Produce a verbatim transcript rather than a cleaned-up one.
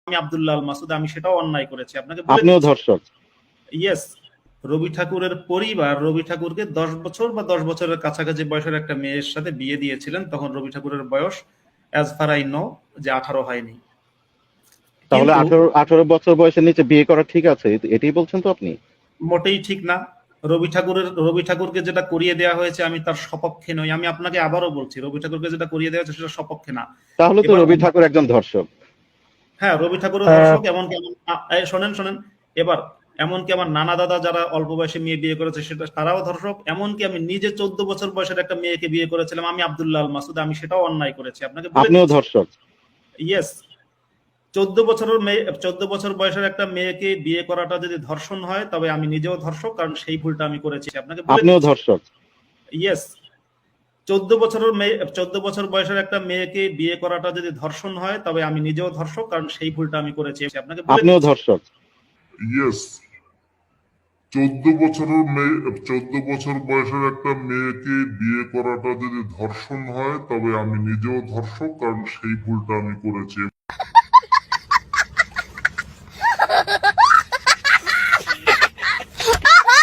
আমি আব্দুল্লাহ আল মাসুদ, আমি সেটাও অন্যায় করেছি, আপনাকে বলে আপনিও দিচ্ছি। ধর্ষক। ইয়েস, রবি ঠাকুরের পরিবার রবি ঠাকুরকে দশ বছর বা দশ বছরের কাছাকাছি বয়সের একটা মেয়ের সাথে বিয়ে দিয়েছিলেন, তখন রবি ঠাকুরের বয়স অ্যাজ ফার আই নো যে আঠারো হয়নি। তাহলে কিন্তু আঠারো আঠারো বছর বয়সের নিচে বিয়ে করা ঠিক আছে, এ- এটাই বলছেন তো আপনি? মোটেই ঠিক না। রবি ঠাকুরের রবি ঠাকুরকে যেটা করিয়ে দেওয়া হয়েছে আমি তার সপক্ষে নই, আমি আপনাকে আবারও বলছি রবি ঠাকুরকে যেটা করিয়ে দেওয়া হয়েছে সেটা সপক্ষে না। তাহলে তো এবার রবি ঠাকুর একজন ধর্ষক। হ্যাঁ, রবি ঠাকুরও আহ, ধর্ষক, এমনকি আমার আ- এই শোনেন শোনেন এবার, এমনকি আমার নানা দাদা যারা অল্প বয়সে মেয়ে বিয়ে করেছে সেটা তারাও ধর্ষক, এমনকি আমি নিজে চোদ্দ বছর বয়সের একটা মেয়েকে বিয়ে করেছিলাম, আমি আব্দুল্লাহ আল মাসুদ, আমি সেটাও অন্যায় করেছি, আপনাকে বলে আপনিও দিচ্ছি। ধর্ষক। ইয়েস, চোদ্দ বছরের মেয়ে চোদ্দ বছর বয়সের একটা মেয়েকে বিয়ে করাটা যদি ধর্ষণ হয় তবে আমি নিজেও ধর্ষক, কারণ সেই ভুলটা আমি করেছি, আপনাকে বলে আপনিও দিচ্ছি। ধর্ষক। ইয়েস, চোদ্দ বছরের মেয়ে চোদ্দ বছর বয়সের একটা মেয়েকে বিয়ে করাটা যদি ধর্ষণ হয় তবে আমি নিজেও ধর্ষক, কারণ সেই ভুলটা আমি করেছি, আপনাকে বলে আপনিও দিচ্ছি। ধর্ষক। ইয়েস, চোদ্দ বছরের মেয়ে চোদ্দ বছর বয়সের একটা মেয়েকে বিয়ে করাটা যদি ধর্ষণ হয় তবে আমি নিজেও ধর্ষক, কারণ সেই ভুলটা আমি করেছি।